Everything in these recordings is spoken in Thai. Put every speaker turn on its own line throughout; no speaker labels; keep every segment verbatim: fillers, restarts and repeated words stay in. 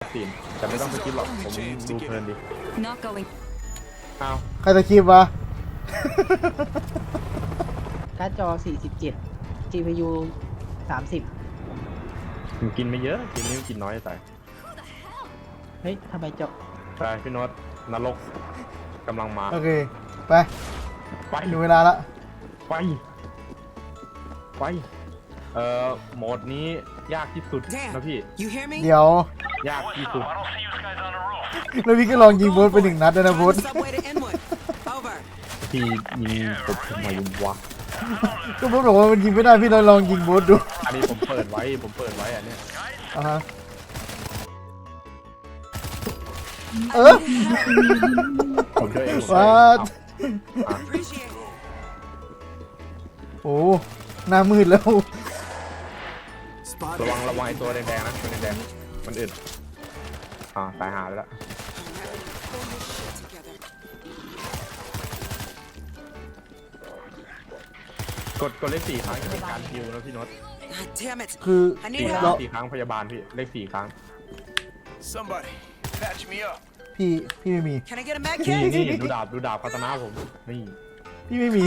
ซีนแต่ไม่ต้องสกิปหรอกผมดูเพลินดิอ้าว
ใครจะคลิปวะ
การ์ดจอสี่สิบเจ็ด จี พี ยู สามสิบ
ผมกินไม่เยอะกินนี่กินน้อยแต่
เฮ้ยทำไมเจาะ
ไปพี่โน้ตนรกกำลังมา
โอเคไป
ไป
ดูเวลาละ
ไปไปเอ่อโหมดนี้ยากที่สุดนะพี่
เดี๋ยวย
ากที่สุด
แล้วพี่ก็ลองยิงโบสไปหนึ่งนัดด้วยนะโบส
พี่ยิงผมทำไมวะ
ก็โบสบอกว่ามันยิงไม่ได้พี่ลองลองยิงโบสดู
อันนี้ผมเปิดไว้ผมเปิดไว้อันนี้
อ่าฮะเออ
ผมช่วยเอง
ว้าโอ้หน้ามืดแล้ว
ระวังระวังตัวแดงๆนะตัวแดงๆมันอื่นอ่าตายหาไปแล้วกดกดเลขสี่ครั้งจะเป็นการฮิวนะพี่โน้ต
คือ
สี่ครั้งสี่ครั้งพยาบาลพี่เลขสี่ครั้ง
พี่พี่ไม่มี
นี่นี่ดูดาบดูดาบคาตานะผมนี่
พี่ไม่มี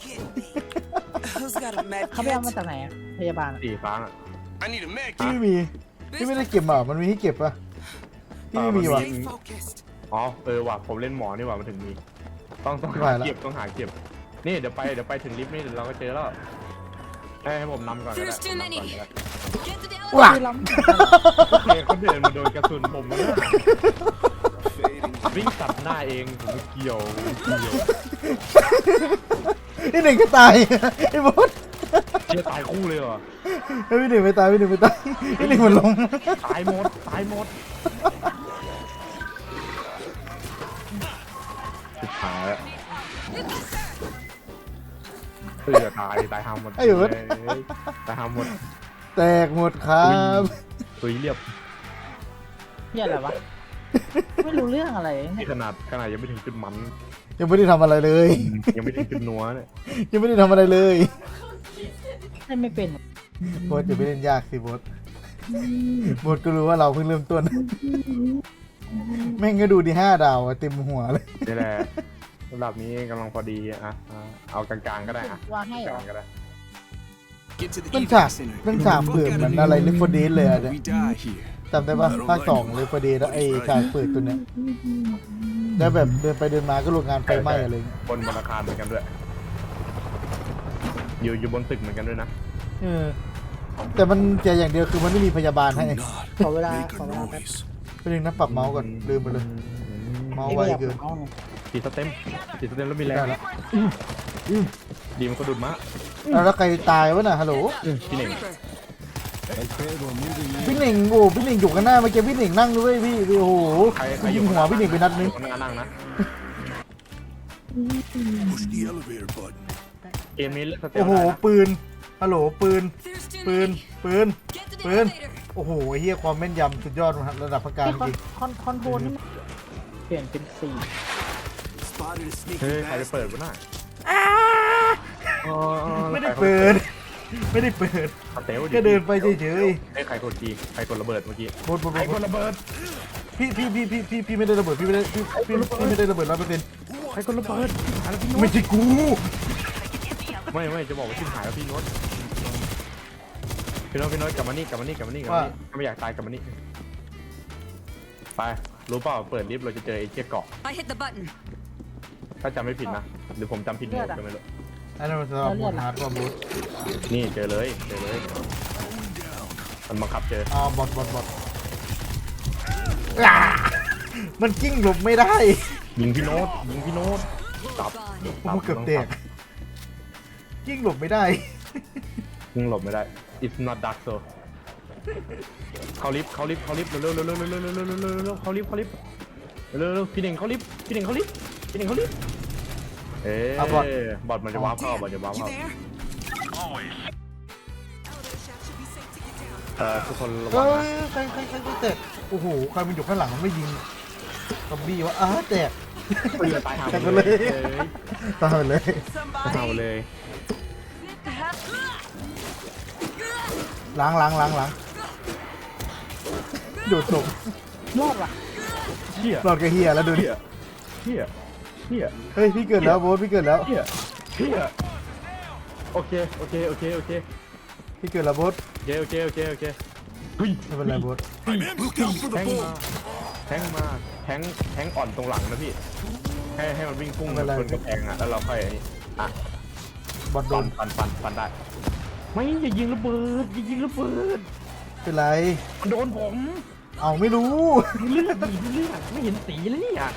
เขาไปเอามาจากไหนอะพยาบาล
สี่ครั้ง
พี่ไม่มีพี่ไม่ได้เก็บอ่ะมันมีให้เก็บป่ะพี่ไม่มีว่ะ
อ๋อเออว่ะผมเล่นหมอนี่ว่ะมันถึงมีต้องต้องหาเก็บต้องหาเก็บนี่เดี๋ยวไปเดี๋ยวไปถึงลิฟต์นี่เดี๋ยวเราก็เจอแล้วให้ผมนำก่อนก็ได้
ว้า
เขาเดินมาโดนกระสุนผมนะวิ่งตัดหน้าเองผมไม่เกี่ยวเกี่ยว
นี่หนึ่งก็ตายไอ้บอส
เชี่ยตายคู่เลยเหรอ
พี่หนึ่งไม่ตายพี่หนึ่งไม่ตายพี่หนึ่งมันลง
ตายหมดตายหมดสุดท้ายเสือตายตายหาหมด
ไอ้บอส
ตายหาหมด
แตกหมดครับ
ตุยเรียบ
เหี้ยอะไรวะไม่รู้เรื่องอะไร
นี่ขนาดขนาดยังไม่ถึงจุดมัน
ยังไม่ได้ทำอะไรเลย
ยังไม่ถึงจุดนัวเนี่ย
ยังไม่ได้ทำอะไรเลย
ให้ไม่เป็น
โบสจะไม่เล่นยากสิโบสโบสก็รู้ว่าเราเพิ่งเริ่มต้นแม่งก็ดูดีห้าดาวเต็มหัวเลย
นี่แหละระดับนี้กำลังพอดีอ่ะเอากลางๆก็ได้อ่ะ
วางให้
กลางก็ได้
มันฉากมันฉากเปิดเหมือนอะไรเลฟเฟอร์เดสเลยอ่ะเนี่ยจำได้ปะภาคสองเลฟเฟอร์เดสแล้วไอ้ฉากเปิดตัวเนี้ยแล้วแบบเดินไปเดินมาก็โรงงานไฟไหม้อะไรเงี้ย
บนบนอาคารเหมือนกันด้วยอยู่อยู่บนตึกเหมือนกันด้วยนะ
เออแต่มันเจออย่างเดียวคือมันไม่มีพยาบาลให้
ขอเวลาขอเวลาแป๊บ
ไปดึงนะปรับเมาส์ก่อนลืมไปเลยเมาส์ไวเกิน
ตีสเต็มตีสเต็มแล้วมีแรงแล้วดีมันก็ดุดมะ
แล้วใครตายวะน่ะฮัลโหล
พี่เน่ง
พี่เน่งโอ้พี่เน่งอยู่กันหน้าเมื่อกี้พี่เน่งนั่งด้วยพี่โอ้โหยิงหัวพี่เน่งไปนัดนึง
นั่งนะเกมนี้
โอ้โหปืนฮัลโหลปืนปืนปืนปืนโอ้โหเฮียความแม่นยำสุดยอดระดับประการจริง
คอนคอนโทรลนี่เปลี่ยนเป็นสี่
เฮ้ยใครจะเปิดวะน่ะ
ไม่ได้เปิดไม่ได้เปิดแค่เดินไปเฉย
ๆไอ้ใครกดจีใครกดระเบิดเมื่อกี้
บดบด
ใครกดระเบิด
พี่พี่พี่พี่พี่พี่ไม่ได้ระเบิดพี่ไม่ได้พี่พี่พี่ไม่ได้ระเบิดร้อยเปอร์เซ็นต์
ใครกดระเบิด
ไม่ใช่กู
ไม่ไม่จะบอกว่าชิบหายแล้วพี่โน้ตพี่โน้ตพี่โน้ตกลับมานี่กลับมานี่กลับมานี่กลับมานี่ไม่อยากตายกลับมานี่ไปรู้เปล่าเปิดลิฟต์เราจะเจอไอ้เจี๊ยเกาะถ้าจำไม่ผิดนะหรือผมจำผิดหมดก็ไม่รู้
อันนั้นมันสำหรับบูทฮาร์ดว่าบูท
นี่เจอเลยเจอเลยมันบังคับเจอ
อ๋อบอทบอทบอทมันกิ้งหลบไม่ได้
ยิงพี่โน้ตยิงพี่โน้ตตับ
ผมเกือบแตกกิ้งหลบไม่ได้
กิ้งหลบไม่ได้ it's not dark so เขาลิฟต์เขาลิฟต์เขาลิฟต์เร็วเร็วเร็วเร็วเร็วเร็วเร็วเร็วเร็วเขาลิฟต์เขาลิฟต์เร็วเร็วพี่เน่งเขาลิฟต์พี่เน่งเขาลิฟต์พี่เน่งเขาลิฟต์เอ๊ะบอทบอทมันจะว้าวเข้าบอทจะว้าวเข้าเอ่อทุกคนระวัง
นะใครใครใครแตกโอ้โหใครมันอยู่ข้างหลังมันไม่ยิงซอมบี้วะอ้าแตก
ตายหา
ไปเลยตายเลย
ตายเลย
ล้างล้างล้างล้างโดดศพ
รอดว่ะ
เฮีย
รอดกับเฮียแล้วดูดิ
เฮียเฮียเฮีย
เฮ้ยพี่เกิดแล้วโบ๊ทพี่เกิดแล้ว
เฮียเฮียโอเคโอเคโอเคโอเค
พี่เกิดแล้วโบ๊ท
โอเคโอเคโอเคโอเคเฮ้ย
ไม่เป็นไรโบ๊ท
แทงมาแทงมาแทงแทงอ่อนตรงหลังนะพี่ให้ให้มันวิ่งพุ่งชนกระแพงอ่ะแล้วเราค่อยอันนี้อ่ะ
บอลโด
ฟั
น
นฟันฟันฟันได้ไม่อย่ายิงระเบิดอย่ายิงระเบิด
เป็นไร
มันโดนผม
เอาไม่รู้
ดูเลือดดิดูเลือดไม่เห็นสีเลยเนี่ย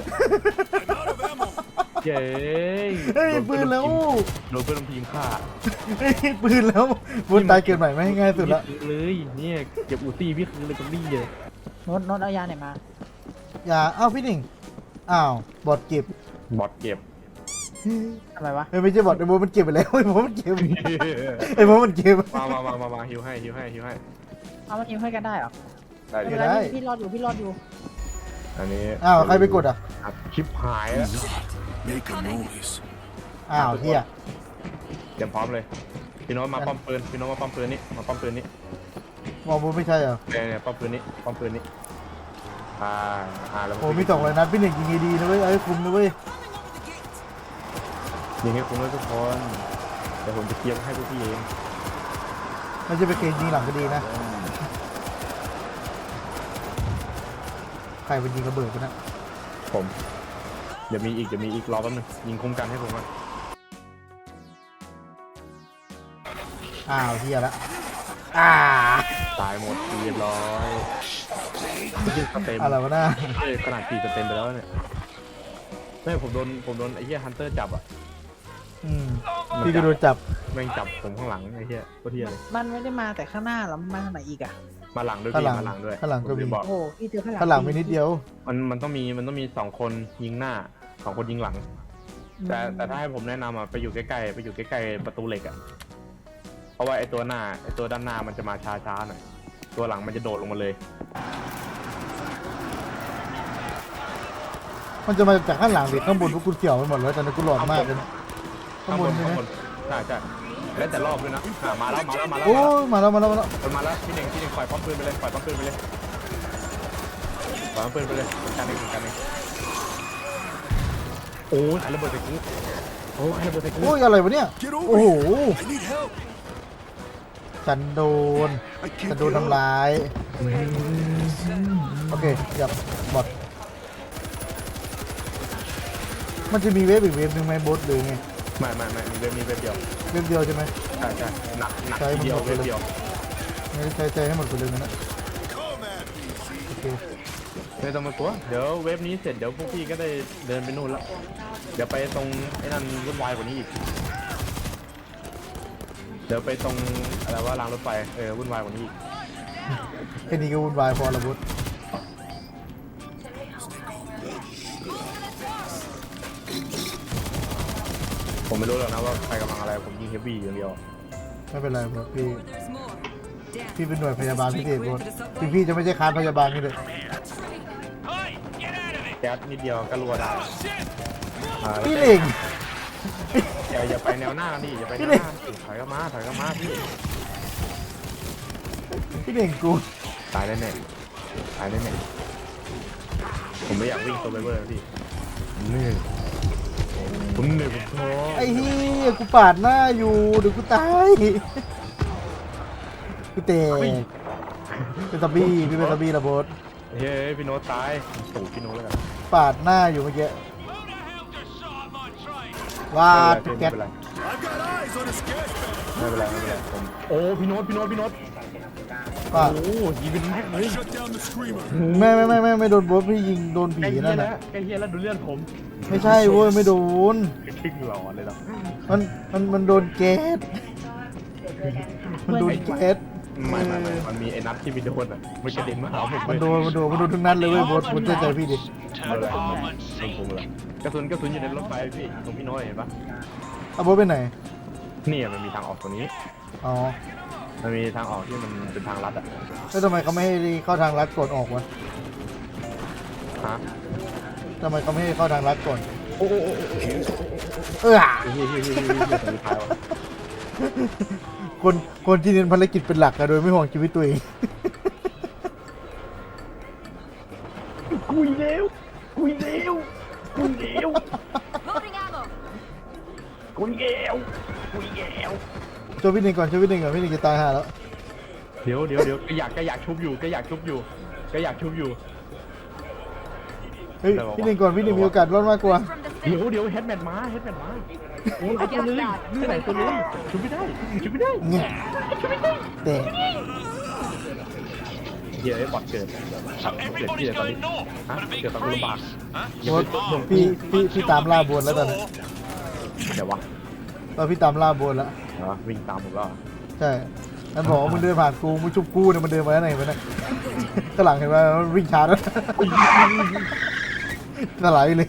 เย้ย
เฮ้ยปืนแล้ว
โดนเพื่อนทีมฆ่า
เฮ้ยปืนแล้วโบ๊ทตายเกิดใหม่ไม่ให้ง่ายสุดละ
เลยเนี่ยเก็บอูซี่พี่คือเลยตรงนี้เลย
โน้ตโน้ตเอายาไหนมา
อย่าเอ้าพี่หนิงอ้าวบอดเก็บบ
อดเก็บ
ทำไมวะ
เฮ้ยไม่ใช่บอดไอ้โบ๊ทมันเก็บไปแล้วไอ้โบ๊ทมันเก็บไอ้โบ๊ทมันเก็บ
มามามามามาฮิวให้ฮิวให้ฮิวให้
เอามันยิงให้กันได้เหรอ
ได้
ไม่
ดิ
เป็นไรพี่พี่รอดอยู่พี่รอดอยู่
อันนี้
อ้าวใครไปกดอ่ะ
อัดคลิปหายแล้ว
Make a noise.
อ้าวเฮีย
เตรียมพร้อมเลยพี่โน้ตมาป้อมปืนพี่โน้ตมาป้อมปืนนี่มาป้อมปืนนี่
มองโบ๊ทไม่ใช่เหรอ
เนี่ยเนี่ยป้อมปืนนี่ป้อมปืนนี่อ่าอ่าแล้ว
โอ้มีสองเลยนะพี่หนิงยิงดีๆนะเว้ยเอาให้คุ้มนะเว้ย
ยิงให้คุ้มเลยทุกคนเดี๋ยวผมจะเคลียร์ให้พวกพี่เอง
ไม่ใช่ไปเกณฑ์ยิงหลังก็ดีนะใครเป็นยิงระเบิดกันนะ
ผมเดี๋ยวมีอีกเดี๋ยวมีอีกรอแป๊บนึงยิงคุ้มกันให้ผมก่อน
อ้าวเฮียละอ่า
ตายหมดเรียบร้อยสเต็ม
อะไรวะน่า
เอ้ยขนาดสี่สเต็มไปแล้วเนี่ยไม่ผมโดนผมโดนไอ้เหี้ยฮันเตอร์จับอ่ะ
อืมพี่ก็โดนจับ
แม่งจับผมข้างหลังไอ้เหี้ยโคตรเหี้ยเลย
มันไม่ได้มาแต่ข้างหน้าแล้วมันมาทางไหนอีกอะ
มาหลังด้วย
ข้าง
พี่
หลัง
มาหลังด้วย
ข้างหลังก็มี
ผมจะบอก
โอ้โหพี่เจอข้างหลัง
ข้างหลังมีนิดเดียว
มันมันต้องมีมันต้องมีสองคนยิงหน้าสองคนยิงหลัง แต่แต่ถ้าให้ผมแนะนำอ่ะไปอยู่ใกล้ๆไปอยู่ใกล้ๆประตูเหล็กอ่ะเพราะว่าไอ้ตัวหน้าไอ้ตัวด้านหน้ามันจะมาช้าๆหน่อยตัวหลังมันจะโดดลงมาเลย
มันจะมาจากข้างหลังดิข้างบนพวกคุณเกี่ยวไปหมดแล้วตอนนี้กูหลอนมากเลยนะข้างบนใช่ไหม
ข้างบนใช่ใช่แล้วแต่รอบด้วยนะอ่ะมาแล้วมาแล้วมาแล้ว
โอ้ยมาแล้วมาแล้วมาแล้ว
มันมาแล้วพี่เน่งพี่เน่งปล่อยป้อมปืนไปเลยปล่อยป้อมปืนไปเลยปล่อยป้อมปืนไปเลยเหมือนกันเองเหมือนกันเองโอ้ยใครระเบิดใส่กูโอ้ยใครระเบิดใส่กู
โอ้ยอะไรวะเนี่ย
Get
โอ้
over
โห
here. I need help.
ฉันโดน
I
ฉัน
can't
โดน
get
ทำ
up.
ร้ายโอเคหยับหมดมันจะมีเวฟอีกเวฟหนึ่งไหมบอสหรือไง
ไม่ไม่ไม่มีเว็บมีเว็บเดียว
เวฟเดียวใช่ไหม
ใช่ใช่หนักหนัก
ใช่
ทีเดียว
มันหมดไป
เว็บ
เลย
เดียว
ไม่ได้ใช้ใจให้หมดไปเลยนะ
Come at me.
โอเค
ไม่ต้องมากลัวเดี๋ยวเว็บนี้เสร็จเดี๋ยวพวกพี่ก็ได้เดินไปนู่นละเดี๋ยวไปตรงไอ้นั่นวุ่นวายกว่านี้อีกเดี๋ยวไปตรงอะไรว่ารางรถไฟเออวุ่นวายกว่านี้อีก
แค่นี้ก็วุ่นวายพอละบอส
ผมไม่รู้หรอกนะว่าใครกำลังอะไรผมยิงเฮฟวี่อย่างเดียว
ไม่เป็นไรบอสพี่พี่เป็นหน่วยพยาบาลพิเศษบอสพี่พี่จะไม่ใช่คานพยาบาลนี่เลย
แก๊สนิดเดียวก็รัวได้อ่าแล้ว
พี่เล่ง
อย่าอย่าไปแนวหน้ากันดิอย่าไปแนวหน้าดิถอยก็มาถอยก็มาพี่
พี่เล่งกู
ตายแน่ๆตายแน่ๆผมไม่อยากวิ่งตัวไปเบอร์พี่ผมเหนื่อยผมเหนื่อยผมท้อ
ไอ้เฮียกูปาดหน้าอยู่เดี๋ยวกูตายกูเตะเป็นตะบี้พี่เป็นตะบี้ระบอส
เฮ้ยพี่โน้ตตายตู่พี่โน้ตแล้วกัน
ปาดหน้าอยู่เมื่อกี้วาด
ไม่
แก๊ส
เป็นไร
I've got eyes on a scash bag.
ไม่เป็นไรไม่เป็นไรผมโอ้พี่โน้ตพี่โน้ตพี่โน้ต
ปาด
โอ้ยิงเป็นแม็กเลย
Shut down the screamer.
ไม่ไม่ไม่ไม่ไม่โดนบอสพี่ยิงโดน
ใก
ผี
ล้เฮีย
นั่น
แล้ว
น่ะ
ใกล้เฮียแล้วดูเลือดผม
ไม่ใช่เว้ยไม่โดน
ทิ้งหลอนเลยหรอ
มันมันมันโดนแก๊สมันโดนแก๊ส
ไม่ไม่ไม่มันมีไอ้นัดที่ไปโดนอ่ะมันกระเด็นมาหาผม
มันโดนมันโดนมันโดนทั้งนั้นเลยเว้ยบอสคุณเชื่อใจพี่ดิ
ไม่เป็นไรโดนผมเลยกระสุนกระสุนอยู่ในรถไฟพี่ตรงพี่น้อยเห็นปะ
เอาบอสไปไหน
นี่มันมีทางออกตรงนี้
อ๋อ
มันมีทางออกที่มันเป็นทางลัดอ่ะ
แล้วทำไมเขาไม่ให้เข้าทางลัดก่อนออกวะ
ฮะ
ทำไมเขาไม่ให้เข้าทางลัดก่อน
โอ้โอ้โอ้โอ้โอ้
เออ
เฮ้ยเฮ้ยเฮ้ยเฮ้ยเฮ้ยเฮ้ยท้ายวะ
คนคนที่เน้นภารกิจเป็นหลักอะโดยไม่ห่วงชีวิตตัวเอง
คุยเร็วคุยเร็วคุยเร็ว
Loading ammo.
คุยเร็วคุยเร็ว
ช่วยพี่หนึ่งก่อนช่วยพี่หนึ่งก่อนพี่หนึ่งจะตายห่าแล้ว
เดี๋ยวเดี๋ยวเดี๋ยวก็อยากก็อยากชุบอยู่ก็อยากชุบอยู่ก็อยากชุบอยู่
เฮ้ยพี่หนึ่งก่อนพี่หนึ่งมีโอกาสรอดมากกว่า
From the
เดี๋ยว
city.
เดี๋ยวเฮดแมนมาเฮดแมนมาโอ้ยตัวเลยที่ไหนตัวเลยชุบไม่ได้ชุบไม่ได้
เงี้ยแต่
เดี๋ยวไอ้บอทเกิดครับเกิดที่ไหนตอนนี้ฮะเกิดตอนกูลำบาก
โบ๊ทพี่พี่พี่ตามล่าบนแล้วตอนนี้
เดี๋ยววะ
ตอนพี่ตามล่าบนแล้ว
เหรอวิ่งตามผมก็
ใช่มันบอกว่ามึงเดินผ่านกูมึงชุบกูเนี่ยมันเดินมาไหนไปนะข้างหลังเห็นไหมมันวิ่งช้าแล้วสไลด์เลย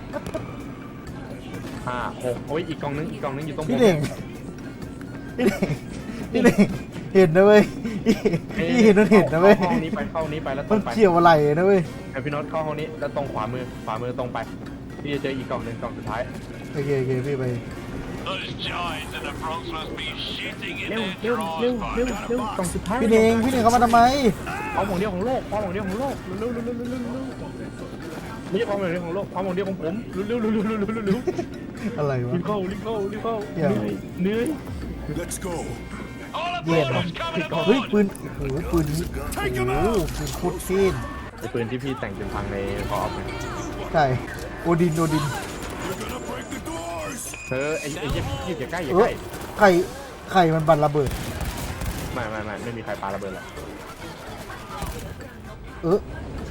ห้าหกโอ้ยอีกกองนึงอีกกองนึงอยู่ตรง
พี่เด่งพี่เด่งพี่เด่งเห็นนะเว้ยพี่เห็นนั่นเห็นนะเว้ย
เข้าห้องนี้ไปเข้าห้องนี้ไปแล้วตร
มัน
งไป
เกี่ยวอะไรนะเว้ย
ไอพี่น็อตเข้าห้องนี้แล้วตรงขวามือขวามือตรงไปพี่จะเจออีกกล่องหนึ่งกล่องสุดท้าย
โอเคโอเคพี่ไป
Those giants in the Bronx must be shitting in
เร็ว
their
เร็ว
drawers
เร็ว
by
เร็ว
now.
เร็วกล่องสุดท้าย
พี่เด่งพี่เด่งเขามาทำไม
ความหวังเดียวของโลกความหวังเดียวของโลกเร็วเร็วเร็วเร็วเร็วเร็วไม่ใช่ความหวังเดียวของโลกความหวังเดียวของผมเร็วเร็วเร็วเร็วเร็วเร็วเร็ว
อะไร
รี
วะ
บเข้ารีบเข้ารีบเข้า
เดี๋ยว
เหนื่อย
Let's go.
All
Yeah,
aboard, coming
เฮ้ย
aboard.
ปืนโอ้โหปืนนี้โอ้โหปืนโคตรเท่น
ไอปืนที่พี่แต่งเป็นพังในคออฟ
ใช่โอดินโอดิน
You're gonna break the doors.
เออไอไออย่าอย่าใกล้อย่า
เอ
ใก
อ
ล้
ไข่ไข่มันบันระเบิด
ไม่ไม่ไม่ไม่มีใครปาระเบิดหรอก
เออ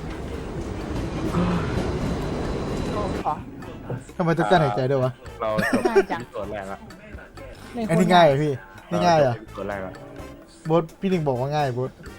ทำไมต้องกั้นหายใจด้วยวะ
เราจบ
ง่ายจัง
ที่ส่วนแรกละ
ใน
อัน
ค
นี้ง่ายเหรอพี่นี่ง่ายเหรอ่ะ
จบที่ส่วนแรกละ
โบทพี่หนึ่งบอกว่าง่ายโบท